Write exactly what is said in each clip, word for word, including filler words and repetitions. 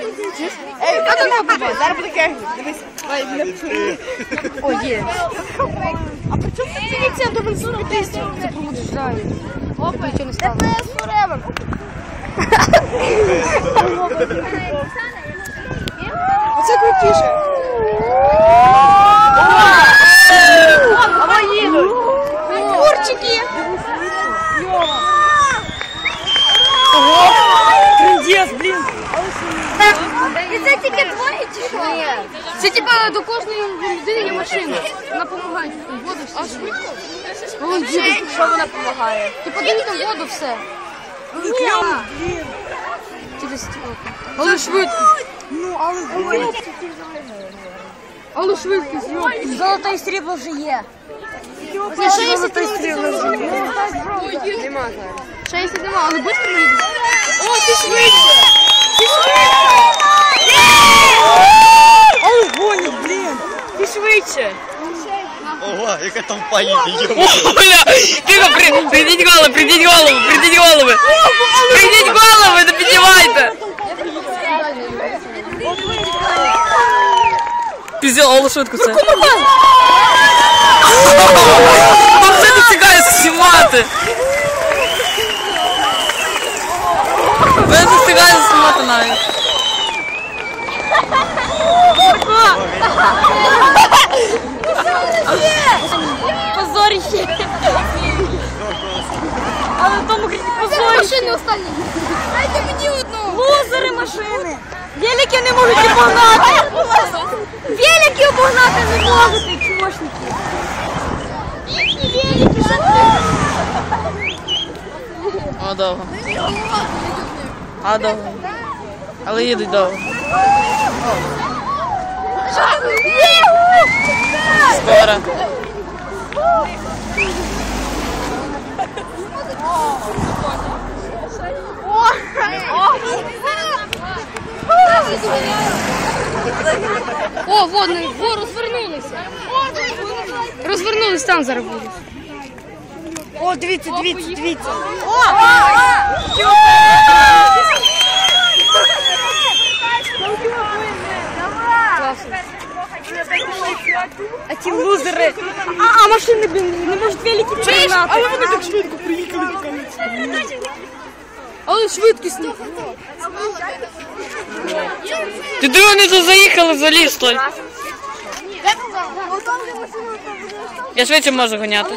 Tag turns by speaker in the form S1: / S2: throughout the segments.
S1: Ей, хто не побачить? Зараз буде кегель. Дивись. О, є. А при чому тут дивіться до бензину тисячі? Це промуджаю. Опа, нічого не стало. Це forever. Оце крутіше. Або їдуть. Курчики. Ого. Трындец, блін.
S2: І це тільки двоє чи що?
S1: Це типа до кожної людини є машина. Вона допомагає. Воду все. Вон їде.
S2: Що вона допомагає?
S1: Ти подивись там воду все. Блін. Через стекло. Але швидко. Ну, але швидкість. Але швидкість.
S2: Золотой стрібло вже є.
S1: Ще золотой стрібло вже є. Нема зараз. шістдесят нема, але швидко не йде. О, ти швидше. Ти швидше. Але гонить, блін. Ти швидше.
S3: Ого, яка там поїде,
S4: Оля, тихо, при, придіть голову, придіть голову, придіть голову. Придіть голову, не піднімайте. Пізділ, Олу швидко це. Це не цікаві знімати. Ви не встигаєте знімати навіть.
S2: Позорище. Але в тому крізь позорище.
S1: Машини останні.
S2: Дайте мені одну. Лузери машини. Велики не можуть обогнати. Велики обогнати не можуть, чмошники. Їхні велики, що
S4: О, довго. А, довго. Але їдуть довго. Скоро.
S1: О, водний, во, розвернулися. Розвернулись, там зараз будуть. О, дивіться, дивіться, дивіться. А ті лузери. А, а машини, блін, не можуть велики перегнати. Але вони так швидко приїхали. Але швидкісно.
S4: Ти диви, вони тут заїхали за ліс той. Я швидше можу гоняти.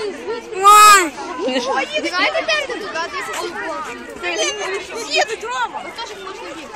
S2: Знаєте, де туди? Їдуть, Рома.